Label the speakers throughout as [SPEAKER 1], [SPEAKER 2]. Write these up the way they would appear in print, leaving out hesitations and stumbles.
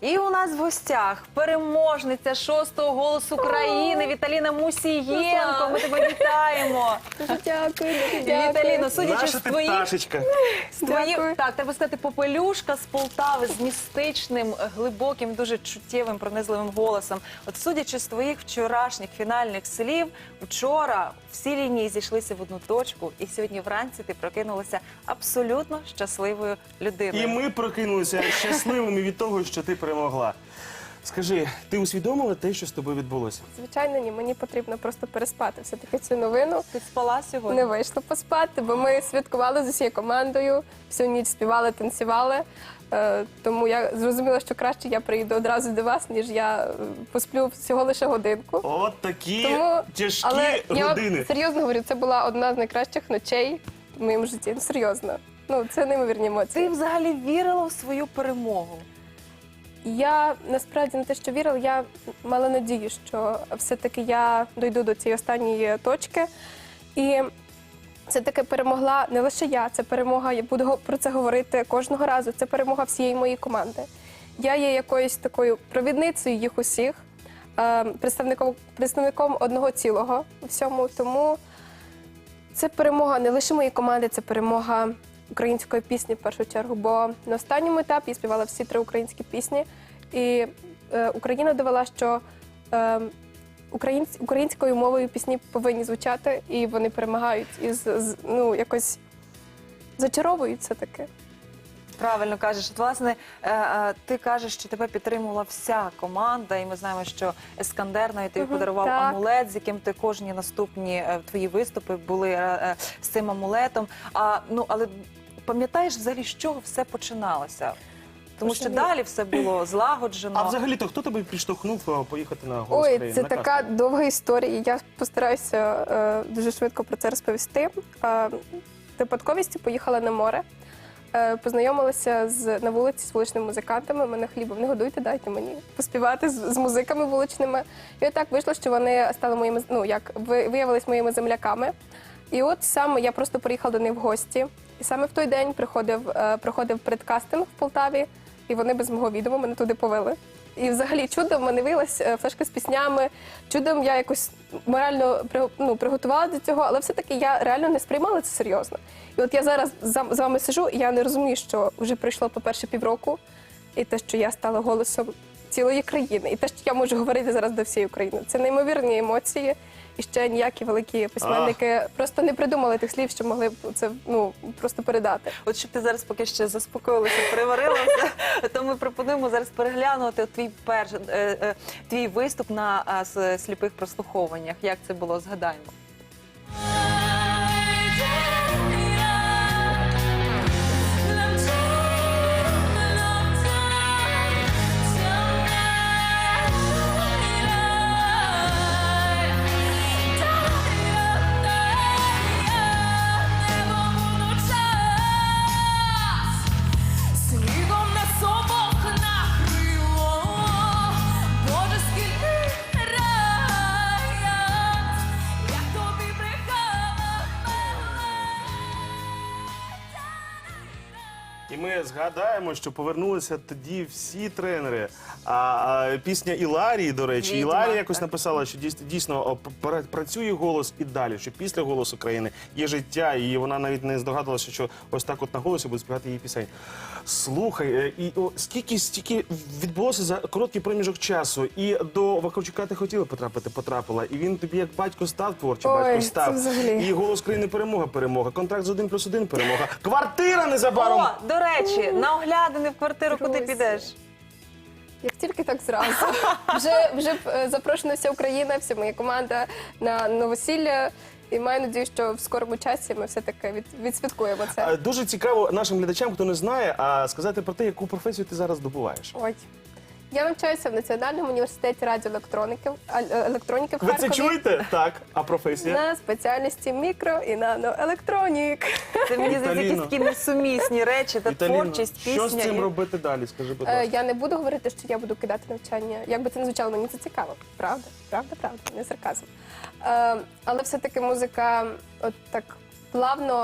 [SPEAKER 1] І у нас в гостях переможниця 6-го «Голосу України» Віталіна Мусієнко. Ми тебе вітаємо.
[SPEAKER 2] Дуже дякую, дуже дякую.
[SPEAKER 1] Віталіно, судячи
[SPEAKER 3] Наша
[SPEAKER 1] з
[SPEAKER 3] ти
[SPEAKER 1] твоїх...
[SPEAKER 3] пташечка.
[SPEAKER 2] Дякую.
[SPEAKER 1] Так, треба сказати, попелюшка з Полтави з містичним, глибоким, дуже чуттєвим, пронизливим голосом. От судячи з твоїх вчорашніх фінальних слів, вчора всі лінії зійшлися в одну точку, і сьогодні вранці ти прокинулася абсолютно щасливою людиною.
[SPEAKER 3] І ми прокинулися щасливими від того, що ти перемогла. Скажи, ти усвідомила те, що з тобою відбулося?
[SPEAKER 2] Звичайно, ні, мені потрібно просто переспати все-таки цю новину.
[SPEAKER 1] Ти спала сьогодні?
[SPEAKER 2] Не вийшло поспати, бо ми святкували з усією командою, всю ніч співали, танцювали. Тому я зрозуміла, що краще я приїду одразу до вас, ніж я посплю всього лише годинку.
[SPEAKER 3] От такі тяжкі
[SPEAKER 2] Але я
[SPEAKER 3] години.
[SPEAKER 2] вам серйозно говорю, це була одна з найкращих ночей в моєму житті. Ну, серйозно. Ну, це неймовірні емоції.
[SPEAKER 1] Ти взагалі вірила в свою перемогу?
[SPEAKER 2] Я насправді не те, що вірила, я мала надію, що все-таки я дойду до цієї останньої точки. І все-таки перемогла не лише я, це перемога, я буду про це говорити кожного разу, це перемога всієї моєї команди. Я є якоюсь такою провідницею їх усіх, представником одного цілого у всьому, тому це перемога не лише моєї команди, це перемога української пісні в першу чергу, бо на останньому етапі я співала всі 3 українські пісні, і Україна довела, що українською мовою пісні повинні звучати, і вони перемагають, і якось зачаровують все таки.
[SPEAKER 1] Правильно кажеш. От, власне, ти кажеш, що тебе підтримувала вся команда, і ми знаємо, що Ескандер навіть тобі подарував амулет, з яким ти кожні наступні твої виступи були з цим амулетом. Але пам'ятаєш взагалі, з чого все починалося? Тому що далі все було злагоджено.
[SPEAKER 3] А взагалі-то хто тебе підштовхнув поїхати на «Голос
[SPEAKER 2] Ой,
[SPEAKER 3] України»?
[SPEAKER 2] це така довга історія, я постараюся дуже швидко про це розповісти. Випадковістю поїхала на море. Познайомилася на вулиці з вуличними музикантами. Мене хлібом не годуйте, дайте мені поспівати з музиками вуличними. І отак вийшло, що вони стали моїми, виявились моїми земляками. І от саме я просто приїхала до них в гості. І саме в той день проходив предкастинг в Полтаві, і вони без мого відома мене туди повели. І взагалі чудом в мене виявилась флешка з піснями, чудом я якось морально приготувала до цього, але все-таки я реально не сприймала це серйозно. І от я зараз з вами сижу, і я не розумію, що вже пройшло, по-перше, півроку, і те, що я стала голосом цілої країни, і те, що я можу говорити зараз до всієї України. Це неймовірні емоції, і ще ніякі великі письменники просто не придумали тих слів, що могли б це просто передати.
[SPEAKER 1] От щоб ти зараз поки ще заспокоїлася, переварилася, то ми пропонуємо зараз переглянути твій виступ на сліпих прослуховуваннях. Як це було, згадаємо.
[SPEAKER 3] І ми згадаємо, що повернулися тоді всі тренери. Пісня Іларії, до речі, Іларія якось написала, що дійсно працює голос і далі, що після «Голосу України» є життя, і вона навіть не здогадувалася, що ось так от на голосі буде співати її пісень. Слухай, і стільки відбулося за короткий проміжок часу, і до Вакарчука ти хотіла потрапила, і він тобі як батько став, творчий батько став. І «Голос України» перемога, контракт з 1+1 перемога, квартира незабаром.
[SPEAKER 1] О, до речі, на оглядини в квартиру куди підеш?
[SPEAKER 2] Як тільки так зразу. Вже запрошена вся Україна, вся моя команда на новосілля. І маю надію, що в скорому часі ми все-таки відсвяткуємо це.
[SPEAKER 3] Дуже цікаво нашим глядачам, хто не знає, сказати про те, яку професію ти зараз здобуваєш.
[SPEAKER 2] Ой. Я навчаюся в Національному університеті радіоелектроніки в Харкові.
[SPEAKER 3] Ви це чуєте? Так. А професія?
[SPEAKER 2] На спеціальності мікро і наноелектронік.
[SPEAKER 1] Це, мені здається, якісь такі несумісні речі, та творчість, пісня.
[SPEAKER 3] Що з цим робити далі, скажи, будь ласка?
[SPEAKER 2] Я не буду говорити, що я буду кидати навчання. Як би це не звучало, мені це цікаво. Правда, не сарказм. Але все-таки музика от так плавно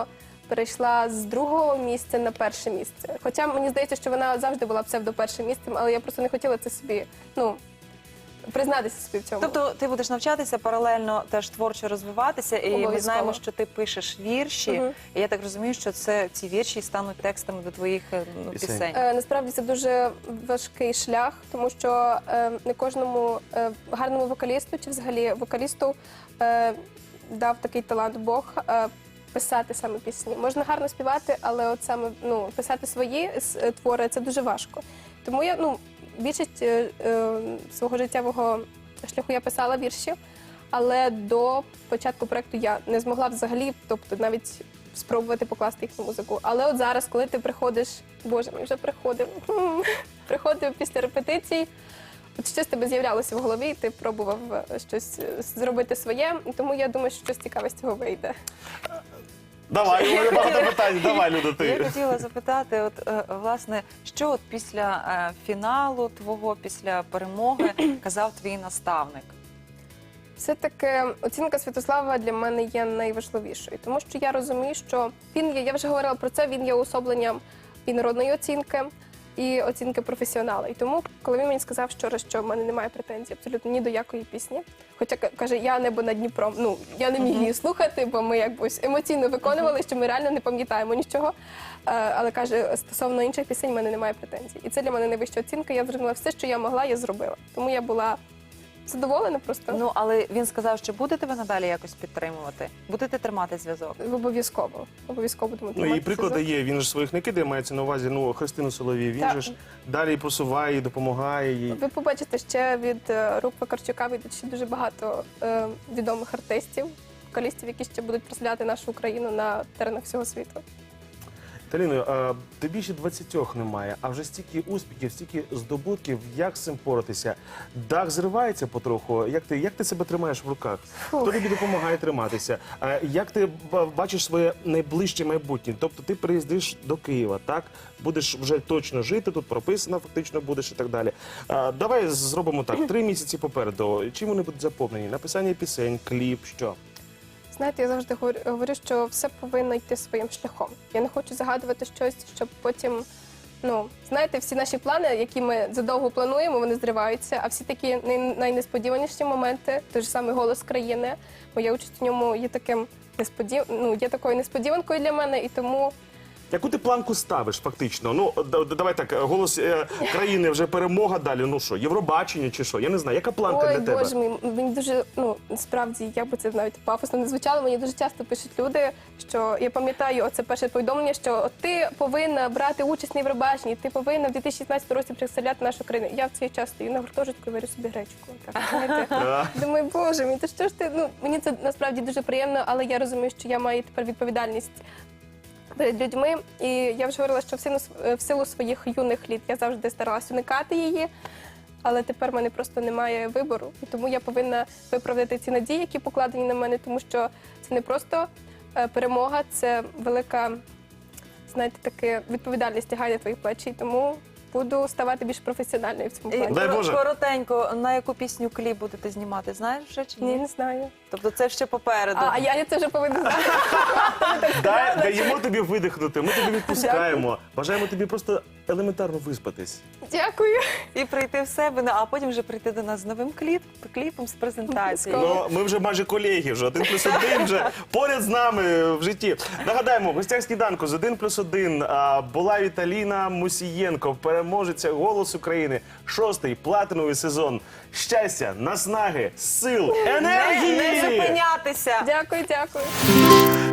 [SPEAKER 2] перейшла з 2-го місця на 1-е місце. Хоча мені здається, що вона завжди була псевдо-1-м місцем, але я просто не хотіла це собі, признатися собі в цьому.
[SPEAKER 1] Тобто ти будеш навчатися паралельно теж творчо розвиватися, і ми
[SPEAKER 2] Обов'язково.
[SPEAKER 1] знаємо, що ти пишеш вірші. І я так розумію, що ці вірші стануть текстами до твоїх пісень.
[SPEAKER 2] Насправді це дуже важкий шлях, тому що не кожному гарному вокалісту чи взагалі вокалісту дав такий талант Бог писати саме пісні. Можна гарно співати, але от саме писати свої твори це дуже важко. Тому я більшість свого життєвого шляху я писала вірші, але до початку проєкту я не змогла взагалі, тобто навіть спробувати покласти їх на музику. Але от зараз, коли ти приходиш, Боже, ми вже приходив після репетицій, от щось тебе з'являлося в голові, і ти пробував щось зробити своє, тому я думаю, що щось цікаве з цього вийде.
[SPEAKER 3] Давай, у мене багато питань. Давай, Люда, ти.
[SPEAKER 1] Я хотіла запитати, власне, що після фіналу твого, після перемоги казав твій наставник?
[SPEAKER 2] Все-таки оцінка Святослава для мене є найважливішою, тому що я розумію, що він є, я вже говорила про це, він є уособленням і народної оцінки, і оцінки професіонала. І тому, коли він мені сказав вчора, що в мене немає претензій абсолютно ні до якої пісні, хоча, каже, я небо над Дніпром, я не міг її слухати, бо ми якось емоційно виконували, що ми реально не пам'ятаємо нічого. Але, каже, стосовно інших пісень в мене немає претензій. І це для мене найвища оцінка, я зробила все, що я могла, я зробила. Тому я була задоволена просто.
[SPEAKER 1] Але він сказав, що буде тебе надалі якось підтримувати? Будете тримати зв'язок?
[SPEAKER 2] Обов'язково. Обов'язково будемо
[SPEAKER 3] І
[SPEAKER 2] тримати
[SPEAKER 3] приклади
[SPEAKER 2] зв'язок.
[SPEAKER 3] є, він ж своїх не кидає, мається на увазі, Христину Соловій, він
[SPEAKER 2] Так.
[SPEAKER 3] же ж далі просуває, і допомагає їй.
[SPEAKER 2] Ви побачите, ще від рук Вакарчука вийдуть ще дуже багато відомих артистів, вокалістів, які ще будуть представляти нашу Україну на теренах всього світу.
[SPEAKER 3] Таліно, тобі ще 20 немає, а вже стільки успіхів, стільки здобутків, як з цим поратися? Дах зривається потроху, як ти себе тримаєш в руках? Хто тобі допомагає триматися? Як ти бачиш своє найближче майбутнє? Тобто ти приїздиш до Києва, так? Будеш вже точно жити, тут прописана фактично будеш і так далі. Давай зробимо так, 3 місяці попереду. Чим вони будуть заповнені? Написання пісень, кліп, що?
[SPEAKER 2] Знаєте, я завжди говорю, що все повинно йти своїм шляхом. Я не хочу загадувати щось, щоб потім, знаєте, всі наші плани, які ми задовго плануємо, вони зриваються, а всі такі найнесподіваніші моменти, той ж самий «Голос країни», моя участь у ньому є є такою несподіванкою для мене, і тому...
[SPEAKER 3] Яку ти планку ставиш фактично? Давай так, «Голос країни» вже перемога далі. Що, Євробачення чи що? Я не знаю. Яка планка для тебе?
[SPEAKER 2] Ой, Боже мій, мені дуже, справді, як би це навіть пафосно не звучало, мені дуже часто пишуть люди, що я пам'ятаю оце перше повідомлення, що ти повинна брати участь на Євробаченні, ти повинна в 2016 році представляти нашу країну. Я в цей час стою на гуртожитку і варю собі гречку. Так, знаєте. Думаю, Боже мій, то що ж ти, мені це насправді дуже приємно, але я розумію, що я маю тепер відповідальність перед людьми. І я вже говорила, що в силу своїх юних літ я завжди старалась уникати її, але тепер в мене просто немає вибору. І тому я повинна виправдати ці надії, які покладені на мене, тому що це не просто перемога, це велика, знаєте, така відповідальність лягає на твої плечі. І тому буду ставати більш професіональною в цьому плані.
[SPEAKER 3] Дай Боже.
[SPEAKER 1] Коротенько, на яку пісню кліп будете знімати, знаєш вже чи ні?
[SPEAKER 2] Ні, не знаю.
[SPEAKER 1] Тобто це ще попереду.
[SPEAKER 2] А я це вже повинна знати.
[SPEAKER 3] Даємо тобі видихнути, ми тобі відпускаємо. Бажаємо тобі просто елементарно виспатись.
[SPEAKER 2] Дякую.
[SPEAKER 1] І прийти в себе, а потім вже прийти до нас з новим кліпом, з презентацією.
[SPEAKER 3] Ми вже майже колеги, вже 1+1 вже поряд з нами в житті. Нагадаємо, в гостях сніданку з 1+1 була Віталіна Мусієнко, переможеця «Голос України», 6-й платиновий сезон. Щастя, наснаги, сил, енергії!
[SPEAKER 1] Не зупинятися!
[SPEAKER 2] Дякую.